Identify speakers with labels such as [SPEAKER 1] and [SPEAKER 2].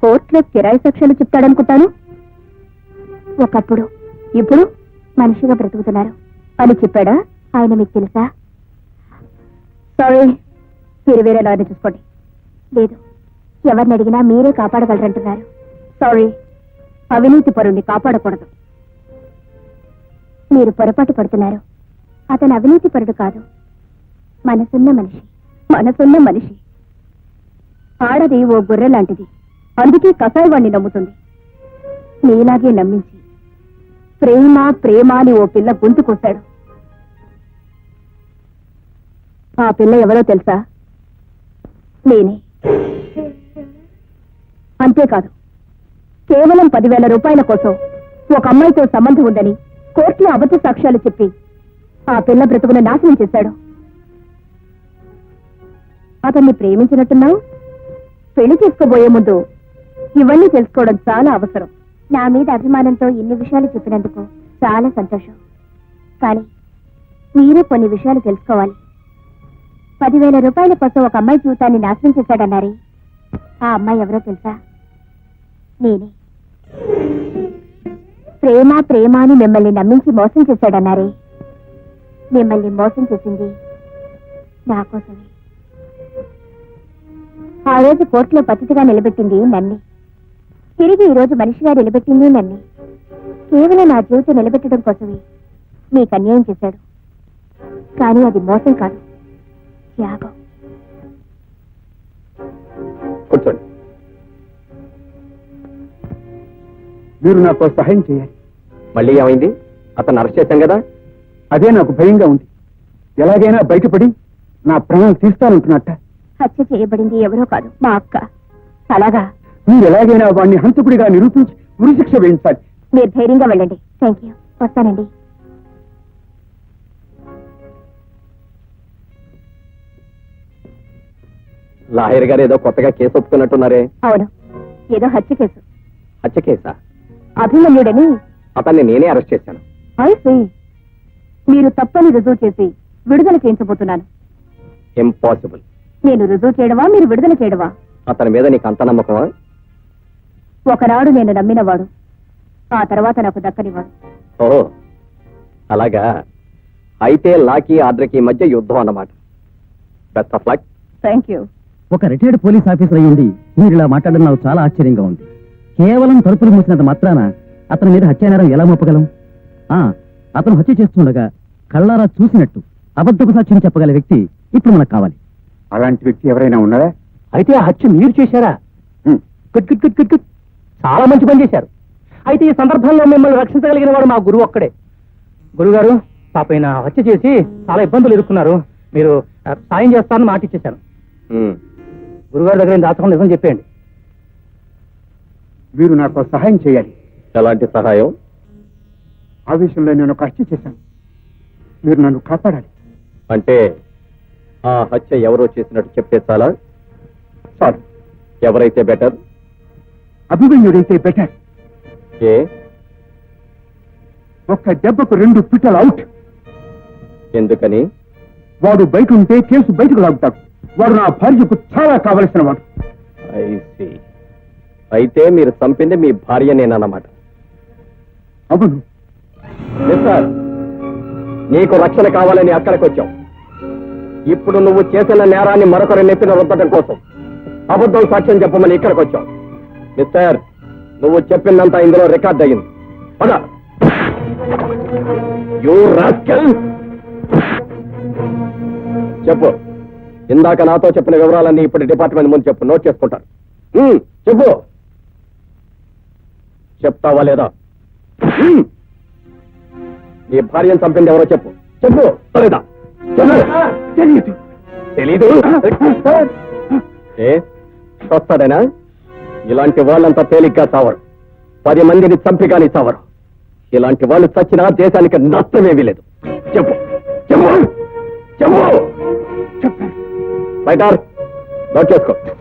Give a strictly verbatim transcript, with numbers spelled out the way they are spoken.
[SPEAKER 1] కోర్టులో కిరాయి సాక్ష్యాలు చెప్తాడనుకుంటాను. ఒకప్పుడు ఇప్పుడు మనిషిగా బ్రతుకుతున్నారు అని చెప్పాడా ఆయన? మీకు తెలుసా? సారీ, మీరు వేరే లాయర్ని చూసుకోండి. లేదు, ఎవరిని అడిగినా మీరే కాపాడగలరంటున్నారు. సారీ, అవినీతి పరుణ్ణి కాపాడకూడదు. మీరు పొరపాటు పడుతున్నారు. అతను అవినీతి పరుడు కాదు, మనసున్న మనిషి. మనసున్న మనిషి. ఆడది ఓ గొర్రె లాంటిది, అందుకే కసాయివాణ్ణి నమ్ముతుంది. నీలాగే నమ్మించి ప్రేమ ప్రేమ అని ఓ పిల్ల గొంతు కోశాడు. ఆ పిల్ల ఎవరో తెలుసా? నేనే. అంతేకాదు, కేవలం పదివేల రూపాయల కోసం ఒక అమ్మాయితో సంబంధం ఉందని కోర్టులో అబద్ధ సాక్ష్యాలు చెప్పి ఆ పిల్ల బ్రతుకును నాశనం చేశాడు. అతన్ని ప్రేమించినట్టున్నావు. పెళ్లి చేసుకోబోయే ముందు ఇవన్నీ తెలుసుకోవడం చాలా అవసరం. నా మీద అభిమానంతో ఇన్ని విషయాలు చెప్పినందుకు చాలా సంతోషం. కానీ మీరే కొన్ని విషయాలు తెలుసుకోవాలి. పదివేల రూపాయల కోసం ఒక అమ్మాయి జీవితాన్ని నాశనం చేశాడన్నారే, ఆ అమ్మాయి ఎవరో తెలుసా? నేనే. ప్రేమ ప్రేమ అని మిమ్మల్ని నమ్మించి మోసం చేశాడన్నారే, మిమ్మల్ని మోసం చేసింది నా కోసమే. ఆ రోజు కోర్టులో పతిథిగా నిలబెట్టింది నన్నే. తిరిగి ఈ రోజు మనిషిగా నిలబెట్టింది నన్నే. కేవలం నా జీవితం నిలబెట్టడం కోసమే మీకు అన్యాయం చేశాడు. కానీ అది మోసం కాదు, త్యాగం.
[SPEAKER 2] కూర్చోండి. మీరు నాకు సహాయం చేయాలి. మళ్ళీ ఏమైంది? అతను అరెస్ట్ చేశాం కదా. అదే నాకు భయంగా ఉంది. ఎలాగైనా బయటపడి నా ప్రాణాలు తీస్తానంటున్నట్ట.
[SPEAKER 1] హత్య చేయబడింది ఎవరో కాదు, మా అక్క. అలాగా?
[SPEAKER 2] మీరు ఎలాగైనా వాడిని హంతకుడిగా నిరూపించి ఉరిశిక్ష వేయించాలి.
[SPEAKER 1] మీరు ధైర్యంగా వెళ్ళండి. Thank you. వస్తానండి.
[SPEAKER 2] లాయర్ గారు ఏదో కొత్తగా కేసు ఒప్పుకున్నట్టున్నారే?
[SPEAKER 1] అవును, ఏదో హత్య కేసు.
[SPEAKER 2] హత్య కేసా?
[SPEAKER 1] అభిమన్యుడని
[SPEAKER 2] అతన్ని నేనే అరెస్ట్ చేశాను.
[SPEAKER 1] అయితే మీరు తప్పని రుజువు చేసి విడుదల చేయించబోతున్నాను.
[SPEAKER 2] ఇంపాసిబుల్.
[SPEAKER 1] నేను రుజువు చేయడమా, మీరు విడుదల చేయడమా?
[SPEAKER 2] అతని మీద నీకు అంత నమ్మకమా?
[SPEAKER 1] ఒకనాడు నేను నమ్మినవాడు, ఆ తర్వాత నాకు దక్కనివాడు.
[SPEAKER 2] ఓహో, అలాగా. అయితే లాకి ఆర్డర్కి మధ్య యుద్ధం అన్నమాట. Best of luck.
[SPEAKER 1] Thank you.
[SPEAKER 3] ఒక రిటైర్డ్ పోలీస్ ఆఫీసర్ అయ్యుండి మీరు ఇలా మాట్లాడడం నాకు చాలా ఆశ్చర్యంగా ఉంది. కేవలం తలుపులు మూసినంత మాత్రాన అతని మీద హత్యానేరం ఎలా మోపగలం? ఆ అతను హత్య చేస్తుండగా కళ్ళారా చూసినట్టు అబద్ధపు సాక్ష్యం చెప్పగల వ్యక్తి ఇప్పుడు మనకు కావాలి.
[SPEAKER 2] అలాంటి వ్యక్తి ఎవరైనా ఉన్నారా?
[SPEAKER 3] అయితే ఆ హత్య మీరు చేశారా? Good good good good good. చాలా మంచి పని చేశారు. అయితే ఈ సందర్భంలో మిమ్మల్ని రక్షించగలిగిన వాడు మా గురువు ఒక్కడే. గురుగారు, పాపైన హత్య చేసి చాలా ఇబ్బందులు ఎదుర్కొన్నారు. మీరు సాయం చేస్తారని మాట ఇచ్చేశాను. గురుగారి దగ్గర దాచకుండా నిజం చెప్పేయండి.
[SPEAKER 2] మీరు నాకు సహాయం చేయాలి. ఎలాంటి సహాయం? ఆ విషయంలో నేను ఒక హత్య చేశాను. మీరు నన్ను కాపాడాలి. అంటే ఆ హత్య ఎవరో చేసినట్టు చెప్తే చాలా? చాలు. ఎవరైతే బెటర్? అభిమన్యుడైతే బెటర్. ఏ? ఒక్క దెబ్బకు రెండు పిట్టలు అవుట్. ఎందుకని? వాడు బయట ఉంటే కేసు బయటకు లాగుతాడు. వాడు నా భార్యకు చాలా కావలసిన వాడు. అయితే మీరు చంపింది మీ భార్య నేనన్నమాట. అవును సార్. నీకు రక్షణ కావాలని అక్కడికి వచ్చావు. ఇప్పుడు నువ్వు చేసిన నేరాన్ని మరొకరి నెత్తిన రుద్దడం కోసం అబద్ధం సాక్ష్యం చెప్పమని ఇక్కడికి వచ్చావు. మిస్టర్, నువ్వు చెప్పిందంతా ఇందులో రికార్డ్ అయ్యింది. పద. You rascal. చెప్పు. ఇందాక నాతో చెప్పిన వివరాలన్నీ ఇప్పుడు డిపార్ట్మెంట్ ముందు చెప్పు. నోట్ చేసుకుంటారు. చెప్పు. చెప్తావా లేదా? నీ భార్యను చంపింది ఎవరో చెప్పు. చెప్పు. లేదా? తెలీదు. తెలీదు? ఏ వస్తాడేనా? ఇలాంటి వాళ్ళంతా తేలిగ్గా చావరు. పది మందిని చంపి కానీ చావరు. ఇలాంటి వాళ్ళు చచ్చినా దేశానికి నష్టమేమీ లేదు. చెప్పు. చెప్పు. చెప్పు. చెప్పు. రైటర్, నోట్ చేసుకో.